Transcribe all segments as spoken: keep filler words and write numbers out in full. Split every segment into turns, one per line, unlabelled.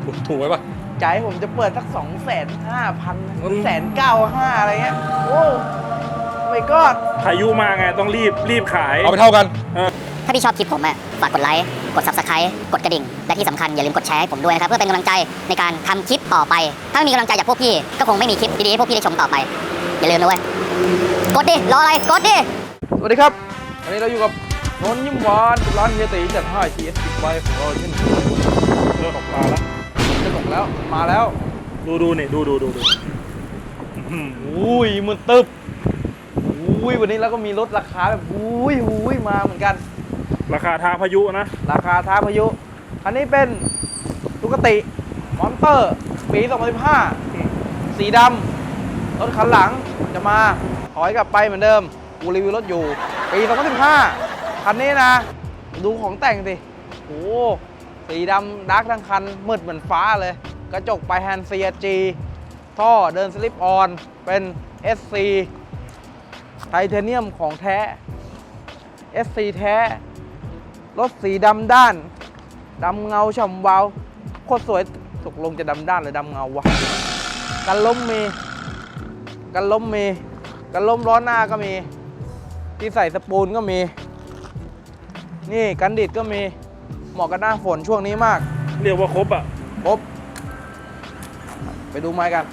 ถูกไหมปะ
ใจผมจะเปิดสักสองแสนห้าพันแสนเก้าห้าอะไรเงี้ยโอ้ไม่ก็
พายุมาไงต้องรีบรีบขาย
เอาไปเท่ากัน
ถ้าพี่ชอบคลิปผมอ่ะฝากกดไลค์กด ซับสไครบ์ กดกระดิ่งและที่สำคัญอย่าลืมกดแชร์ให้ผมด้วยนะครับเพื่อเป็นกำลังใจในการทำคลิปต่อไปถ้าไม่มีกำลังใจจากพวกพี่ก็คงไม่มีคลิปดีๆให้พวกพี่ได้ชมต่อไปอย่าลืมนะเว้ยกดดิรออะไรกดดิ
สวัสดีครับวันนี้เราอยู่กับนนท์ยิ้มหวานร้านเฮียตีจัดให้ ที เอส สิบ ใบของเราเช่นเคย
เริ่มออกมาแล้ว
จะส่งแล้วมาแล้ว
ดูดูนี่ดูดูดูดู
อุ้ยมันตึบอุ้ยวันนี้เราก็มีรถราคาแบบอุ้ยอุ้ยมาเหมือนกัน
ราคาท้าพายุนะ
ราคาท้าพายุอันนี้เป็นตุกติมอนเตอร์ปีสองพันสิบห้าสีดำรถคันหลังจะมาถอยกลับไปเหมือนเดิมกูรีวิวรถอยู่ปีสองพันสิบห้าคันนี้นะดูของแต่งสิโอ้สีดำดาร์กทั้งคันมืดเหมือนฟ้าเลยกระจกไปแฮนด์ ซี จี ท่อเดินสลิปออนเป็น เอส ซี ไทเทเนียมของแท้ เอส ซี แท้รถสีดำด้านดำเงาฉ่ำวาวโคตรสวยตกลงจะดำด้านหรือดำเงาวะกันล้มมีกันล้มมีกันล้มล้อหน้าก็มีที่ใส่สปูนก็มีนี่กันดิดก็มีเหมาะกับหน้าฝนช่วงนี้มาก
เรียกว่าครบอ่ะ
ครบไปดูไม้กัน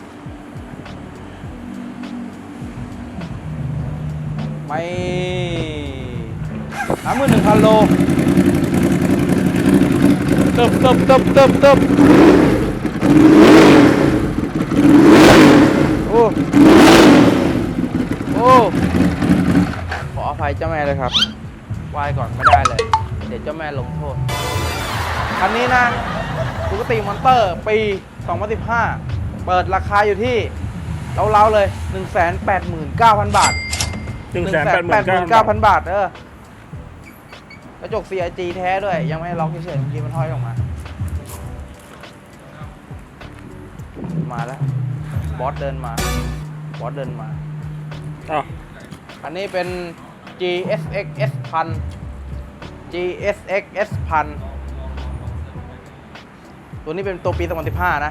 ไม่สามหมื่นหนึ่งพันโลเติบเติบเติบเติบเติบโอ้โอ้ขออภัยเจ้าแม่เลยครับไหว้ก่อนไม่ได้เลยเดี๋ยวเจ้าแม่ลงโทษคันนี้นะตุกติมอนเตอร์ปีสองพันสิบห้าเปิดราคาอยู่ที่เล้าๆเลย หนึ่งแสนแปดหมื่นเก้าพัน บาท
หนึ่งแสนแปดหมื่นเก้าพัน
บาทเออกระจก ซี ไอ จี แท้ด้วยยังไม่ล็อกเฉยๆเมื่อกี้มันห้อยออกมามาแล้วบอสเดินมาบอสเดินมา
อ้าว
อันนี้เป็น จี เอส เอ็กซ์ เอส พัน จี เอส เอ็กซ์ เอส พัน ตัวนี้เป็นตัวปีสองพันสิบห้านะ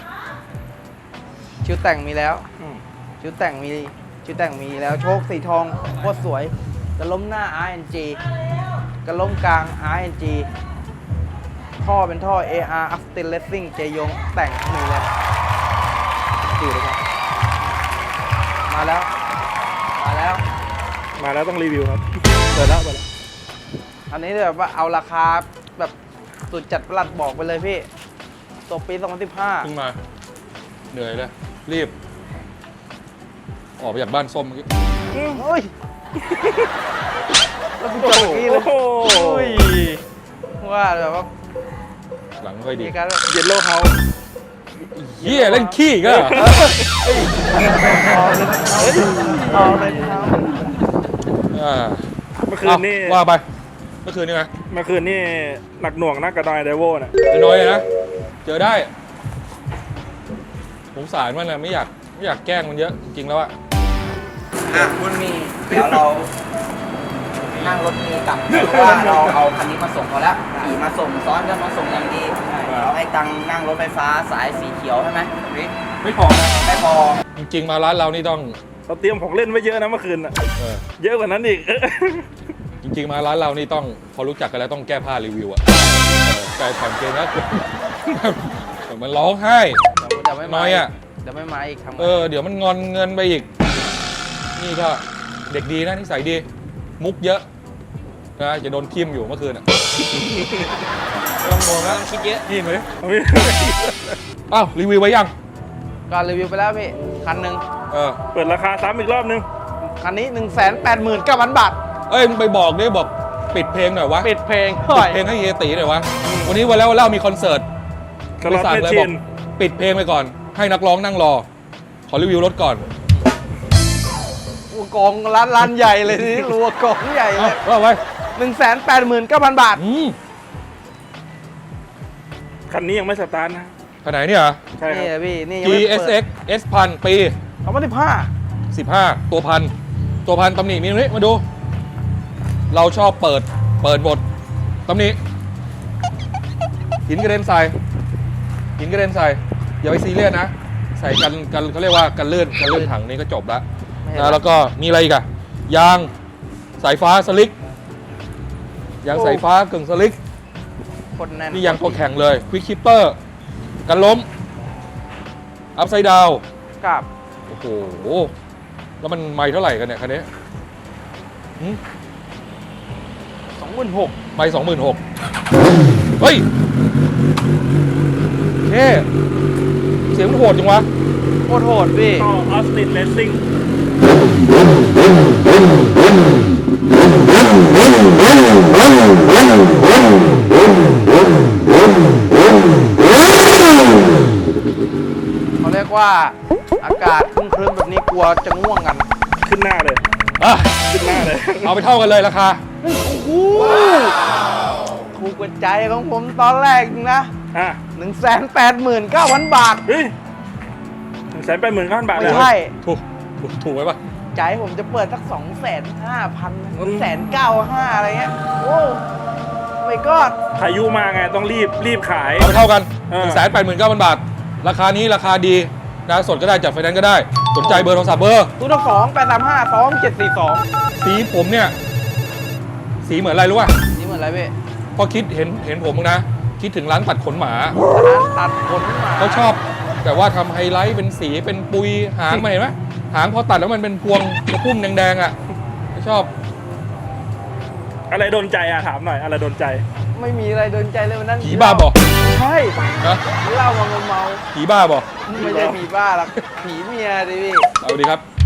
ชิ้วแต่งมีแล้วชิ้วแต่งมีชิ้วแต่งมีแล้วโชคสีทองโคตรสวยกระล้มหน้า อาร์ เอ็น จี กระล้มกลาง อาร์ เอ็น จี ท่อเป็นท่อ เอ อาร์ Austin Racing เจยงแต่งมีเลยดูเลยครับมาแล้วมาแล้ว
มาแล้วต้องรีวิวครับเดี๋ยวแล้วไปแล้ว
อันนี้แบบว่าเอาราคาแบบสุดจัดประหลัดบอกไปเลยพี่ตัวปีสองพันสิบห้า
เพิ่งมาเหนื่อยเลยรีบออกไปจากบ้านส้มเมื่อกี้
โอ้ยแล้วกูจอดเมื่อกี้เลยโอ้ยว่าแบบว่า
หลังค่อยดี
การ
เย็นโลเฮา
เฮียเล่นขี้ก็
เอาเลยครับ
เมื่อคืนนี่
ว่าไปเมื่อคืนนี่ไง
เมื่อคืนนี่หนักหน่วงนักกระดอยเดโวน่ะ
น้อยนะเจอได้สงสารมันนะไม่อยากไม่อยากแกล้งมันเยอะจริงๆแล้วอะ
อ่ะคุณมีเดี๋ยวเรานั่งรถมีกลับเพราะว่าเราเอาคันนี้มาส่งเขาแล้วขี่มาส่งซ้อนกันมาส่งอย่างดีเราให้ตังนั่งรถไฟฟ้าสายสีเขียวใช่ไหม
ไม่พอ
ไม่พอ
จริงๆมาร้านเรานี่ต้อง
เราเตรียมของเล่นไว้เยอะนะเมื่อคืนอ่ะเยอะกว่านั้นอีก
จริงๆมาร้านเรานี่ต้องพอรู้จักกันแล้วต้องแก้ผ้ารีวิวอ่ะแต่ถอนเกงแล้วมันร้องไห้น้อยอ่ะ
เดี๋ยวไม่มาอีกทำ
เออเดี๋ยวมันงอนเงินไปอีกนี่ก็เด็กดีนะนิสัยดีมุกเยอะนะจะโดนทิ่มอยู่เมื่อคืนอ่ะ
ต้องงงแล้วคิดเยอะ
นี่ไหมอ้าวรีวิวไว้ยัง
ก็รีวิวไปแล้วพี่คันหนึ่ง
เออ
เปิดราคาซ้ำอีกรอบนึง
คันนี้ หนึ่งแสนแปดหมื่นเก้าพัน บาท
เอ้ยมึงไปบอกดิบอกปิดเพลงหน่อยวะ
ปิดเพลง
ปิดเพลงให้เฮียตีหน่อยวะวันนี้วันแล้วเล่ามีคอนเสิร์ต
ไปสั่งเลยบอก
ปิดเพลงไปก่อนให้นักร้องนั่งรอขอรีวิวรถก่อน
กองร้านร้านใหญ่เลยนี่รัวกองใหญ่เลย
ว่าไว้
หนึ่งแสนแปดหมื่นเก้าพัน บาท
คันนี้ยังไม่สตาร์ทนะ
คันไหนเนี่ย
ใช่ครับพี่นี่
จี เอส เอ็กซ์ เอส พันปี
สองพันสิบห้า
สิบห้าตัวพันตัวพันตำหนิมีตรงนี้มาดูเราชอบเปิดเปิดบทตำหนิหินกระเด็นใส่หินกระเด็นใส่อย่าไปซีเรียสนะใส่กันกันเขาเรียกว่ากันลื่นกันลื่นถังนี่ก็จบละ
ไม่เห็น
นะแล้วก็มีอะไรอีกอะยางสายฟ้าสลิกยางสายฟ้ากึ่งสลิก
คนแน่น
นี่ยางตัวแข็งเลยควิกคิปเปอร์กันล้มอัพไซด์ดาว
กับ
โอ้โหแล้วมันไม่เท่าไหร่กันเนี่ยคันนี้หืม
สองหมื่นหก
ไม่สองหมื่นหกเฮ้ยเท่เสียงมันโหดจังวะ
โคตรโหดพี่
ต่อออสตินเลสซิ่ง
เขาเรียกว่าอากาศครึ้มๆแบบนี้กลัวจะง่วงกัน
ขึ้นหน้าเลย
อ่ะ
ขึ้นหน้าเลย
เอาไปเท่ากันเลยราคา
โอ้โหถูกกว่าใจของผมตอนแรกนะ
อ่ะ
หนึ่งแสนแปดหมื่นเก้าพันบาท
เฮ้ยหนึ่งแสนแปดหมื่นเก้าพันบาทเลย
ไม่
เหรอ
ใช่
ถูกถูกถูกไว้ปะ
ใจผมจะเปิดสักสองแสนห้าพันแสนเก้าห้าอะไรเงี้ย โอ้ไม่ก็
พายุมาไงต้องรีบรีบขาย
เอาไปเท่ากัน
เอ
ห
อ
นึ่งแสนแปดหมื่นเก้าพันบาท ราคานี้ราคาดีนะสดก็ได้จัดไฟแนนซ์ก็ได้ สนใจเบอร์โทรศัพท์เบอร์
ตู้สองแปดสามห้าสองเจ็ดสี่สอง
สีผมเนี่ย สีเหมือนอะไรรู้ป่ะ
นี่เหมือนอะไรพี่
พอคิดเห็นเห็นผมนะ คิดถึงร้านตัดขนหมา
ร้านตัดขนหมา
เขาชอบแต่ว่าทำไฮไลท์เป็นสีเป็นปุยหางมาเห็นไหมหางพอตัดแล้วมันเป็นพวงกระพุ่มแดงๆอ่ะเขาชอบ
อะไรโดนใจอ่ะถามหน่อยอะไรโดนใจ
ไม่มีอะไรโดนใจเลยวันนั้น
ผีบ้าบอ
ใช่
นะ
เหล้ามาเมา
ผีบ้าบอ
ๆไม่ใช่ผีบ้าหรอกผีเมียดิพี่
เอาดีครับ